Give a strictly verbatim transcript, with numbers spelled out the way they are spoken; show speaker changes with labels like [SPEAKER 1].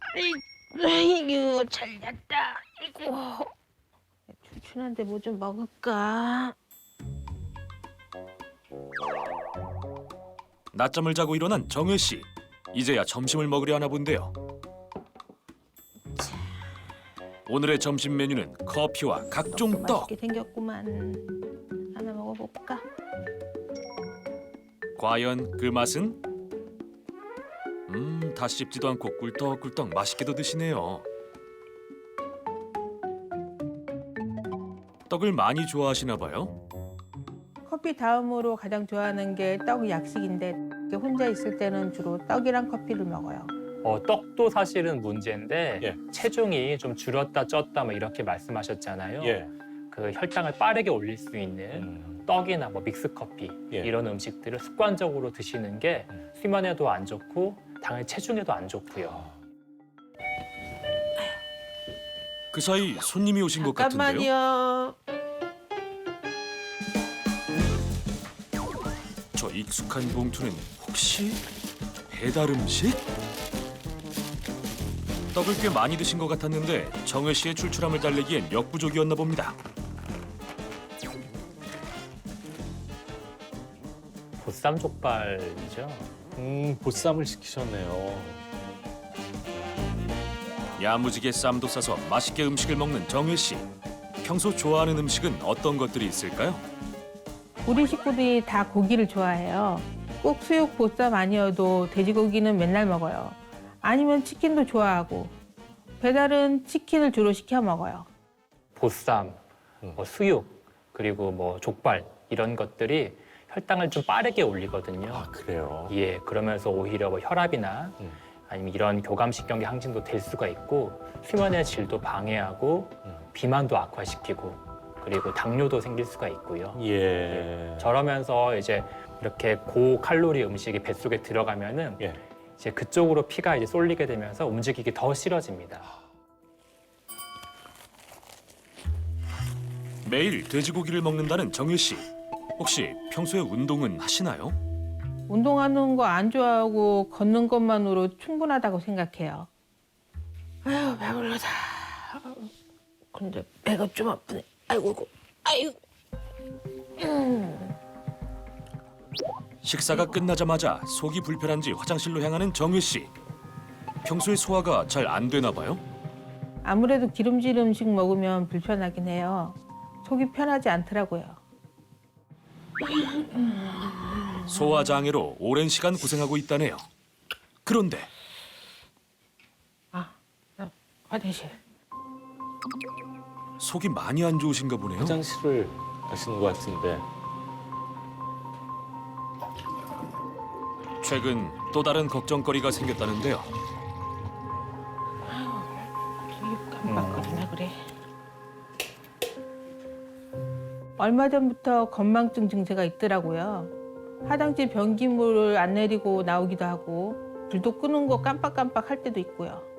[SPEAKER 1] 아이고 잘 잤다. 아이고 출출한데 뭐 좀 먹을까?
[SPEAKER 2] 낮잠을 자고 일어난 정혜 씨. 이제야 점심을 먹으려 하나 본데요. 오늘의 점심 메뉴는 커피와 각종
[SPEAKER 1] 떡도
[SPEAKER 2] 떡.
[SPEAKER 1] 맛있게 생겼구만. 하나 먹어볼까?
[SPEAKER 2] 과연 그 맛은? 음, 다 씹지도 않고 꿀떡꿀떡 맛있게도 드시네요. 떡을 많이 좋아하시나 봐요.
[SPEAKER 1] 커피 다음으로 가장 좋아하는 게 떡 약식인데 혼자 있을 때는 주로 떡이랑 커피를 먹어요.
[SPEAKER 3] 어, 떡도 사실은 문제인데
[SPEAKER 4] 예.
[SPEAKER 3] 체중이 좀 줄었다 쪘다 뭐 이렇게 말씀하셨잖아요.
[SPEAKER 4] 예.
[SPEAKER 3] 그 혈당을 빠르게 올릴 수 있는
[SPEAKER 4] 음.
[SPEAKER 3] 떡이나 뭐 믹스커피
[SPEAKER 4] 예.
[SPEAKER 3] 이런 음식들을 습관적으로 드시는 게
[SPEAKER 4] 음.
[SPEAKER 3] 수면에도 안 좋고 당연히 체중에도 안 좋고요.
[SPEAKER 2] 그 사이 손님이 오신 것 같은데요.
[SPEAKER 1] 잠깐만요.
[SPEAKER 2] 저 익숙한 봉투는 혹시 배달 음식? 떡을 꽤 많이 드신 것 같았는데 정혜 씨의 출출함을 달래기엔 역부족이었나 봅니다.
[SPEAKER 3] 보쌈 족발이죠.
[SPEAKER 4] 음, 보쌈을 시키셨네요.
[SPEAKER 2] 야무지게 쌈도 싸서 맛있게 음식을 먹는 정혜 씨. 평소 좋아하는 음식은 어떤 것들이 있을까요?
[SPEAKER 1] 우리 식구들이 다 고기를 좋아해요. 꼭 수육 보쌈 아니어도 돼지고기는 맨날 먹어요. 아니면 치킨도 좋아하고 배달은 치킨을 주로 시켜 먹어요.
[SPEAKER 3] 보쌈,
[SPEAKER 4] 음.
[SPEAKER 3] 뭐 수육, 그리고 뭐 족발 이런 것들이 혈당을 좀 빠르게 올리거든요.
[SPEAKER 4] 아, 그래요?
[SPEAKER 3] 예, 그러면서 오히려 뭐 혈압이나
[SPEAKER 4] 음.
[SPEAKER 3] 아니면 이런 교감신경계 항진도 될 수가 있고 수면의 질도 방해하고
[SPEAKER 4] 음.
[SPEAKER 3] 비만도 악화시키고 그리고 당뇨도 생길 수가 있고요.
[SPEAKER 4] 예.
[SPEAKER 3] 저러면서 이제 이렇게 고칼로리 음식이 뱃속에 들어가면은
[SPEAKER 4] 예.
[SPEAKER 3] 이제 그쪽으로 피가 이제 쏠리게 되면서 움직이기 더 싫어집니다.
[SPEAKER 2] 매일 돼지고기를 먹는다는 정혜 씨. 혹시 평소에 운동은 하시나요?
[SPEAKER 1] 운동하는 거 안 좋아하고 걷는 것만으로 충분하다고 생각해요. 아유 배불러다. 근데 배가 좀 아프네. 아이고 아이고. 음.
[SPEAKER 2] 식사가 끝나자마자 속이 불편한지 화장실로 향하는 정혜 씨. 평소에 소화가 잘 안 되나 봐요?
[SPEAKER 1] 아무래도 기름질 음식 먹으면 불편하긴 해요. 속이 편하지 않더라고요.
[SPEAKER 2] 소화 장애로 오랜 시간 고생하고 있다네요. 그런데
[SPEAKER 1] 아, 나 화장실.
[SPEAKER 2] 속이 많이 안 좋으신가 보네요.
[SPEAKER 4] 화장실을 가시는 것 같은데.
[SPEAKER 2] 최근 또 다른 걱정거리가 생겼다는데요.
[SPEAKER 1] 되게 깜빡거리네 그래. 얼마 전부터 건망증 증세가 있더라고요. 화장실 변기물을 안 내리고 나오기도 하고 불도 끄는 거 깜빡깜빡 할 때도 있고요.